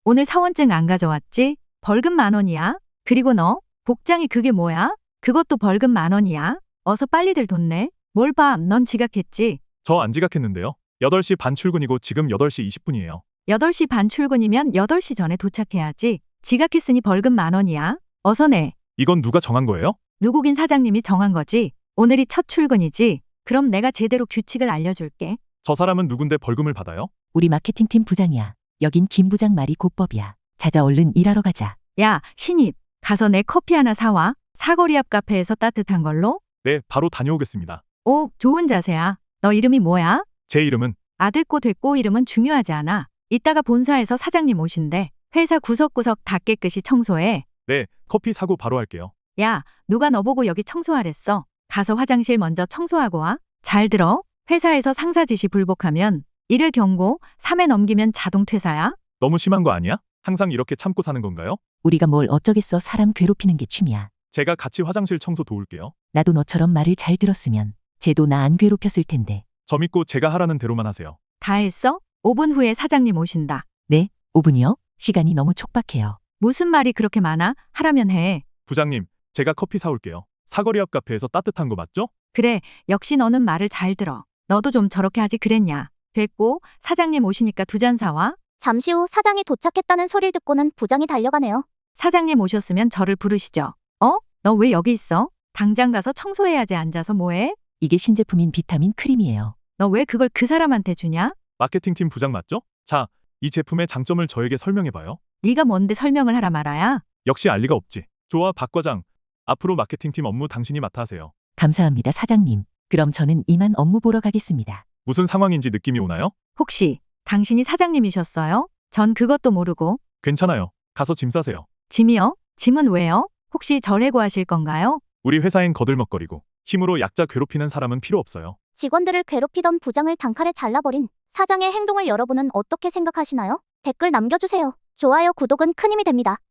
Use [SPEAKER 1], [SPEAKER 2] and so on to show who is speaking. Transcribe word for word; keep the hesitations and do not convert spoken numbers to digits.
[SPEAKER 1] 오늘 사원증 안 가져왔지? 벌금 만 원이야. 그리고 너 복장이 그게 뭐야? 그것도 벌금 만 원이야. 어서 빨리들 돈 내. 뭘 봐, 넌 지각했지?
[SPEAKER 2] 저 안 지각했는데요. 여덟 시 반 출근이고 지금 여덟 시 이십 분이에요.
[SPEAKER 1] 여덟 시 반 출근이면 여덟 시 전에 도착해야지. 지각했으니 벌금 만 원이야. 어서 내.
[SPEAKER 2] 이건 누가 정한 거예요?
[SPEAKER 1] 누구긴 사장님이 정한 거지. 오늘이 첫 출근이지. 그럼 내가 제대로 규칙을 알려줄게.
[SPEAKER 2] 저 사람은 누군데 벌금을 받아요?
[SPEAKER 3] 우리 마케팅팀 부장이야. 여긴 김 부장 말이 곧법이야. 자자 얼른 일하러 가자.
[SPEAKER 1] 야, 신입. 가서 내 커피 하나 사와. 사거리 앞 카페에서 따뜻한 걸로.
[SPEAKER 2] 네, 바로 다녀오겠습니다.
[SPEAKER 1] 오, 좋은 자세야. 너 이름이 뭐야?
[SPEAKER 2] 제 이름은
[SPEAKER 1] 아들꼬 됐고 이름은 중요하지 않아. 이따가 본사에서 사장님 오신대. 회사 구석구석 다 깨끗이 청소해.
[SPEAKER 2] 네, 커피 사고 바로 할게요.
[SPEAKER 1] 야, 누가 너 보고 여기 청소하랬어? 가서 화장실 먼저 청소하고 와. 잘 들어. 회사에서 상사 지시 불복하면 일 회 경고, 삼 회 넘기면 자동 퇴사야.
[SPEAKER 2] 너무 심한 거 아니야? 항상 이렇게 참고 사는 건가요?
[SPEAKER 3] 우리가 뭘 어쩌겠어. 사람 괴롭히는 게 취미야.
[SPEAKER 2] 제가 같이 화장실 청소 도울게요.
[SPEAKER 3] 나도 너처럼 말을 잘 들었으면 쟤도 나 안 괴롭혔을 텐데.
[SPEAKER 2] 저 믿고 제가 하라는 대로만 하세요.
[SPEAKER 1] 다 했어? 오 분 후에 사장님 오신다.
[SPEAKER 3] 네, 오 분이요? 시간이 너무 촉박해요.
[SPEAKER 1] 무슨 말이 그렇게 많아? 하라면 해.
[SPEAKER 2] 부장님, 제가 커피 사올게요. 사거리 앞 카페에서 따뜻한 거 맞죠?
[SPEAKER 1] 그래, 역시 너는 말을 잘 들어. 너도 좀 저렇게 하지 그랬냐. 됐고, 사장님 오시니까 두 잔 사와.
[SPEAKER 4] 잠시 후 사장이 도착했다는 소리를 듣고는 부장이 달려가네요.
[SPEAKER 1] 사장님 오셨으면 저를 부르시죠. 어? 너 왜 여기 있어? 당장 가서 청소해야지. 앉아서 뭐해?
[SPEAKER 3] 이게 신제품인 비타민 크림이에요.
[SPEAKER 1] 너 왜 그걸 그 사람한테 주냐?
[SPEAKER 2] 마케팅팀 부장 맞죠? 자, 이 제품의 장점을 저에게 설명해봐요.
[SPEAKER 1] 네가 뭔데 설명을 하라 말아야?
[SPEAKER 2] 역시 알 리가 없지. 좋아, 박 과장. 앞으로 마케팅팀 업무 당신이 맡아 하세요.
[SPEAKER 3] 감사합니다, 사장님. 그럼 저는 이만 업무 보러 가겠습니다.
[SPEAKER 2] 무슨 상황인지 느낌이 오나요?
[SPEAKER 1] 혹시 당신이 사장님이셨어요? 전 그것도 모르고.
[SPEAKER 2] 괜찮아요. 가서 짐 싸세요.
[SPEAKER 1] 짐이요? 짐은 왜요? 혹시 절 해고하실 건가요?
[SPEAKER 2] 우리 회사엔 거들먹거리고 힘으로 약자 괴롭히는 사람은 필요 없어요.
[SPEAKER 4] 직원들을 괴롭히던 부장을 단칼에 잘라버린 사장의 행동을 여러분은 어떻게 생각하시나요? 댓글 남겨주세요. 좋아요, 구독은 큰 힘이 됩니다.